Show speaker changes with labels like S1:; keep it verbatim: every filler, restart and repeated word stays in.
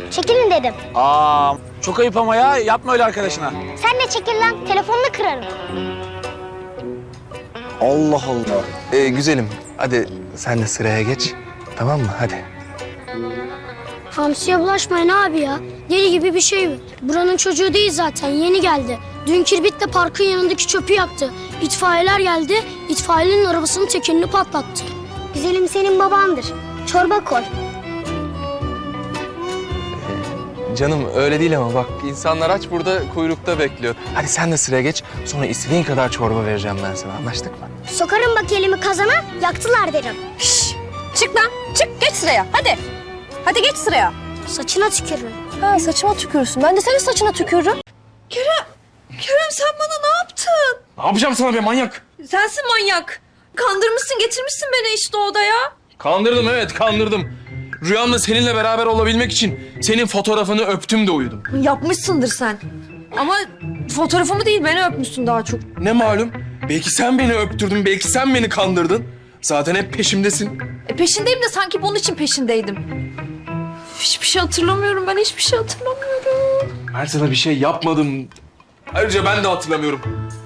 S1: Çekilin dedim.
S2: Aa, çok ayıp ama ya. Yapma öyle arkadaşına.
S1: Sen de çekil lan. Telefonunu kırarım.
S2: Allah Allah.
S3: Ee, güzelim, hadi sen de sıraya geç. Tamam mı? Hadi.
S4: Hamsiye bulaşmayın abi ya. Deli gibi bir şey bu. Buranın çocuğu değil zaten, yeni geldi. Dün Kirbit de parkın yanındaki çöpü yaktı. İtfaiyeler geldi, itfaiyenin arabasının tekerini patlattı.
S1: Güzelim senin babandır. Çorba koy.
S3: Canım öyle değil ama bak insanlar aç burada kuyrukta bekliyor. Hadi sen de sıraya geç. Sonra istediğin kadar çorba vereceğim ben sana. Anlaştık mı?
S1: Sokarım bak elimi kazana, yaktılar derim.
S5: Şşş! Çık lan, çık geç sıraya hadi. Hadi geç sıraya.
S1: Saçına tükürürüm.
S5: Ha saçıma tükürürsün. Ben de senin saçına tükürürüm. Kerem, Kerem sen bana ne yaptın?
S3: Ne yapacağım sana be manyak?
S5: Sensin manyak. Kandırmışsın, getirmişsin beni işte odaya.
S3: Kandırdım evet kandırdım. Rüyamda seninle beraber olabilmek için senin fotoğrafını öptüm de uyudum.
S5: Yapmışsındır sen. Ama fotoğrafımı değil beni öpmüşsün daha çok.
S3: Ne malum? Belki sen beni öptürdün, belki sen beni kandırdın. Zaten hep peşimdesin.
S5: E peşindeyim de sanki bunun için peşindeydim. Hiçbir şey hatırlamıyorum ben hiçbir şey hatırlamıyorum.
S3: Ben sana bir şey yapmadım. Ayrıca ben de hatırlamıyorum.